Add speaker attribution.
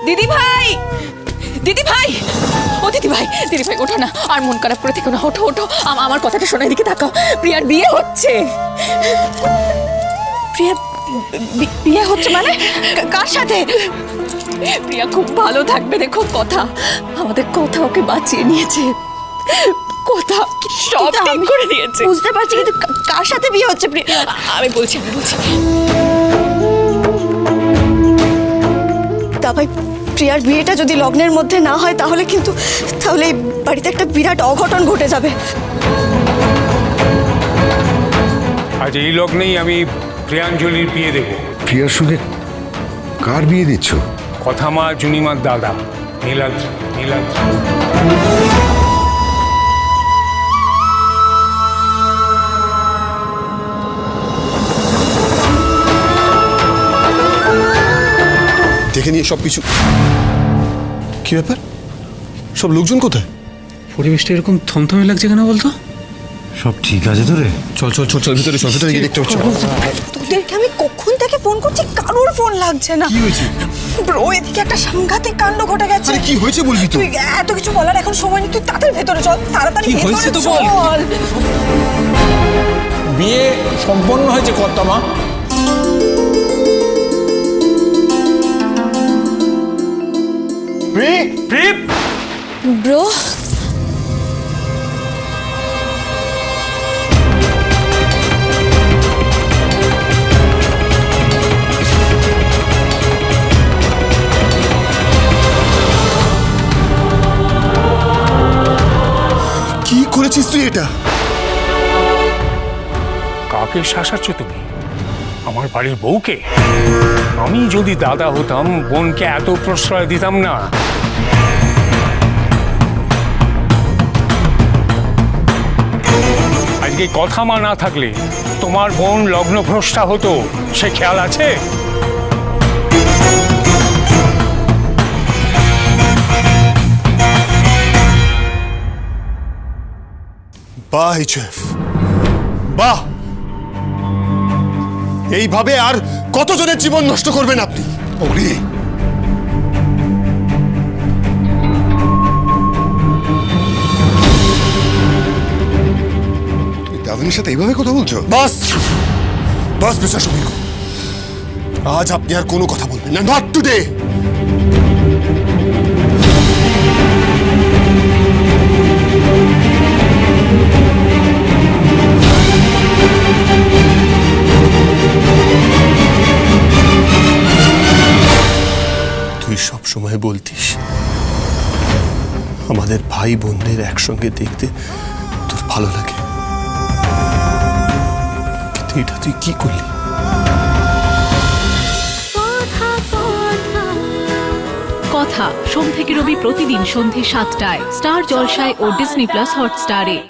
Speaker 1: দিদি ভাই, দিদি ভাই, ও দিদি ভাই, দিদি ভাই ওঠো না, আর মন খারাপ করে থেকো না, ওঠো ওঠো, আমার কথাটা শোনো, এদিকে তাকাও, প্রিয়ার বিয়ে হচ্ছে।
Speaker 2: প্রিয়া বিয়ে হচ্ছে মানে? কার সাথে?
Speaker 1: প্রিয়া খুব ভালো থাকবে, দেখো কথা, আমাদের কথা ওকে বাঁচিয়ে নিয়েছে, কথা সব ঠিক করে দিয়েছে।
Speaker 2: বুঝতে পারছি, কিন্তু কার সাথে বিয়ে হচ্ছে প্রিয়া?
Speaker 1: আমি বলছি
Speaker 2: তা ভাই, প্রিয়ার বিয়েটা যদি লগ্নের মধ্যে না হয় তাহলে এই বাড়িতে একটা বিরাট অঘটন ঘটে যাবে।
Speaker 3: আজ এই লগ্নেই আমি প্রিয়াঞ্জলির বিয়ে দেব।
Speaker 4: প্রিয়ার সঙ্গে কার বিয়ে দিচ্ছ?
Speaker 3: কথা মা জুনিমার দাদা নীলাদ্রি।
Speaker 5: দেখে নিয়ে সবকিছু। কি ব্যাপার, সব লোকজন কোথায়?
Speaker 6: পরিবেশটা এরকম থমথমে লাগছে কেন বলতো?
Speaker 4: সব ঠিক আছে তো রে?
Speaker 5: চল চল চল চল ভিতরে, চল ভিতরে গিয়ে দেখতে হচ্ছে।
Speaker 2: তোদেরকে আমি কখন থেকে ফোন করছি, কারোর ফোন লাগছে না।
Speaker 5: কি হয়েছে?
Speaker 2: ব্রো, এদিকে একটা সাংঘাতিক কাণ্ড ঘটে গেছে।
Speaker 5: আরে কি হয়েছে বলবি তো?
Speaker 2: তুই এত কিছু বলার এখন সময় নেই, তুই তাড়াতাড়ি ভেতরে চল, তাড়াতাড়ি
Speaker 6: কি হয়েছে
Speaker 2: ভেতরে
Speaker 6: তো বল।
Speaker 2: চল।
Speaker 7: বিয়ে সম্পন্ন হয়েছে কর্তামা।
Speaker 2: ব্রো,
Speaker 5: কি করেছিস তুই এটা?
Speaker 3: কাকে শাসাচ্ছ তুমি? আমার বাড়ির বউকে? আমি যদি দাদা হতাম বোনকে এত প্রশ্রয় দিতাম না। আজকে কথা মা না থাকলে তোমার বোন লগ্নভ্রষ্টা হতো, সে খেয়াল আছে?
Speaker 5: বাহ এইচএফ, বাহ! এইভাবে আর কতজনের জীবন নষ্ট করবেন আপনি? ওরে, তুমি দাদুনির সাথে এইভাবে কথা বলছো? বাস বাস মিস্টার সমীর, আজ আপনি আর কোনো কথা বলবেন না, নট টুডে। তুই সব সময় বলতিস আমাদের ভাই বোনদের একসঙ্গে দেখতে তোর ভালো লাগে, কিন্তু এটা তুই কি করলি?
Speaker 8: কথা সোম থেকে রবি প্রতিদিন সন্ধে ৭টায় স্টার জলসায় ও ডিজনি প্লাস হটস্টারে।